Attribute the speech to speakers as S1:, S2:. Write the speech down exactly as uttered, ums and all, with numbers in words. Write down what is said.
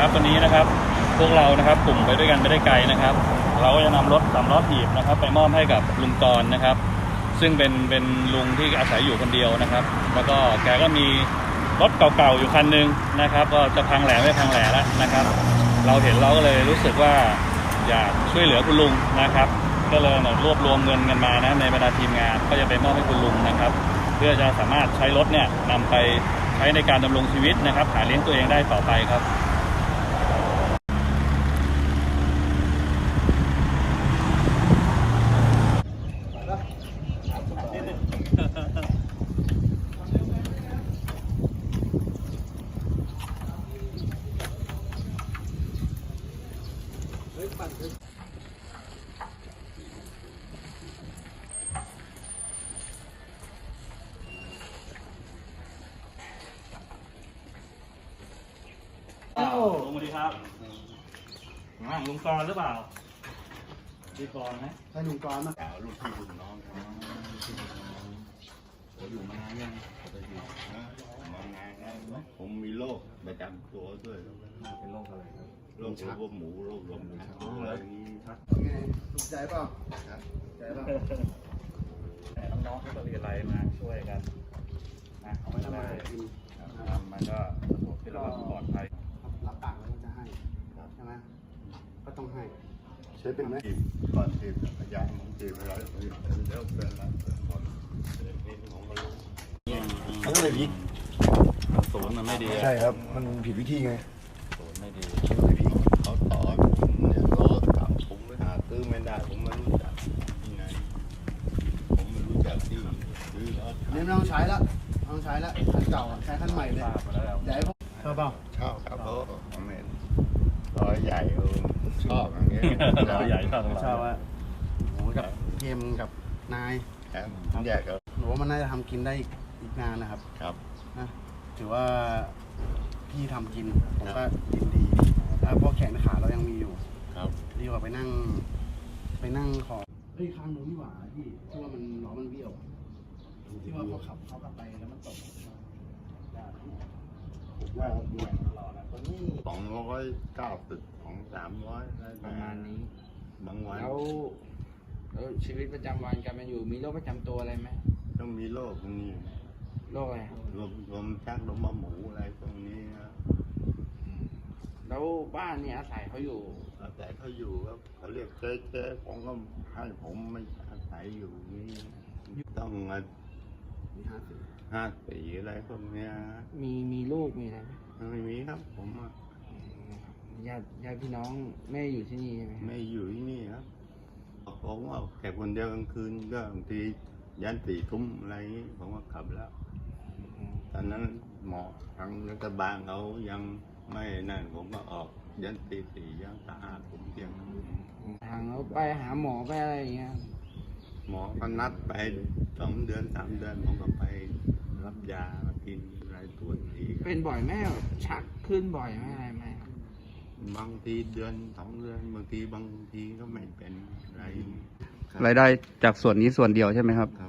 S1: ครับวันนี้นะครับพวกเรานะครับกลุ่มไปด้วยกันไม่ได้ไกลนะครับเราก็จะนำรถสามล้อถีบนะครับไปมอบให้กับลุงกรนะครับซึ่งเป็นเป็นลุงที่อาศัยอยู่คนเดียวนะครับแล้วก็แกก็มีรถเก่าๆอยู่คันนึงนะครับก็จะพังแหล่ไม่พังแหล่แล้วนะครับเราเห็นเราก็เลยรู้สึกว่าอยากช่วยเหลือคุณลุงนะครับก็เลยรวบรวมเงินกันมานะในบรรดาทีมงานก็จะไปมอบให้คุณลุงนะครับเพื่อจะสามารถใช้รถเนี่ยนำไปใช้ในการดำรงชีวิตนะครับหาเลี้ยงตัวเองได้ต่อไปครับลุงสวัสดีครับลุงกรหรือเปล่าพี่กรไหม
S2: ใช่ลุงกรมั้ย
S3: ลูกพี่ลูกน้องผมอยู่มานานยังมานานแล้วผมมีโรคประจำตัวด้วย
S2: เป็นโรคอะไรครับ
S3: โรคหัวหมูโรคลมชักอะไรนี้ชัก
S2: ไงถูกใจเปล่าใจเปล่า
S1: แต่น้องๆที่ก็เรียนอะไรมาช่วยกันนะเอาไม่ได้มันก็สะดวกที่เราปลอดภัย
S2: รับปากแล้วจะให้ใช่ไหมก็ต้องให้ใช้เป็นไหม
S3: ก่อนทีมพยานของทีมอะไรแล้วเป็นอะไรก่อนนี่ของมัน
S2: เขาก็เลยผิด
S1: ศูนย์มันไม่ดี
S2: ใช่ครับมันผิดวิธีไง
S1: ศูนย์ไม่ดี
S3: เขาต่อเนี่ยรถถามผมไม่หาซื้อไม่ได้ผมไม่รู้จักที่ไหนผมไม่รู้จักที่ซื้อรถ
S2: นี่ไม่ต้องใช้แล้วต้องใช้แล้วคันเก่าใช้คันใหม่เลยใหญ่พวกชอบเปล่า
S3: ชอบครับเพราะผมเห็นรอยใหญ่เออชอบอย่างเงี้ย
S1: รอยใหญ่ชอบ
S2: ชอบว่าโอ้กับเกมกับนาย
S3: ครับแยกครับ
S2: หนูว่ามันน่าจะทำกินได้อีกนานนะครับ
S3: ครับ
S2: นะถือว่าพี่ทำกินผมก็ยินดีแล้วพวกแขนขาเรายังมีอยู่
S3: ครับ
S2: ดีกว่าไปนั่งไปนั่งขอเฮ้ยข้างนู้นนี่หว่าพี่ที่ว่ามันล้อมันเบี้ยวที่ว่าเขาขับเขากลับไปแล้วมันตก
S3: ว่าสองร้อยเก้าสิบของสามร้อย
S4: ประมาณนี้
S3: บางวัน
S4: แล้วแล้วชีวิตประจำวันการเป็นอยู่มีโรคประจำตัวอะไรไหม
S3: ต้องมีโรคพวกนี้
S4: โรคอะไรครับ
S3: ลมลมชักลมหมูอะไรพวกนี้นะ
S4: แล้วบ้านนี่อาศัยเขาอยู่
S3: อาศัยเขาอยู่ครับเขาเรียกเจ๊เจ๊ผมก็ให้ผมไม่อาศัยอยู่นี่ต้อง
S2: มีห้าสี่
S3: ห้าสี่อะไรพวกเนี้ย
S4: มีมีลูกมีอะไรไหม
S3: ไม่มีครับผม
S4: ญาติญาติพี่น้องไม่อยู่ที่นี่ใช่ไหม
S3: ไม่อยู่ที่นี่ครับผมว่าแค่คนเดียวกลางคืนก็บางทียันสี่ทุ่มอะไรนี้ผมก็ขับแล้วตอนนั้นหมอทางรัฐบาลเขายังไม่นั่นผมก็ออกยันตีสี่ยันตาห้าผมเพียง
S4: ทางเราไปหาหมอไปอะไรอย่างเงี้ย
S3: หมอก็นัดไปสองเดือนสามเดือนผมก็ไปรับยามากินรายตัวที
S4: เป็นบ่อยไหมชักขึ้นบ่อยไหมอะไรไหม
S3: บางทีเดือนสองเดือนบางทีบางทีก็ไม่เป็นไร
S5: รายได้จากส่วนนี้ส่วนเดียวใช่ไหมครับ
S3: ครับ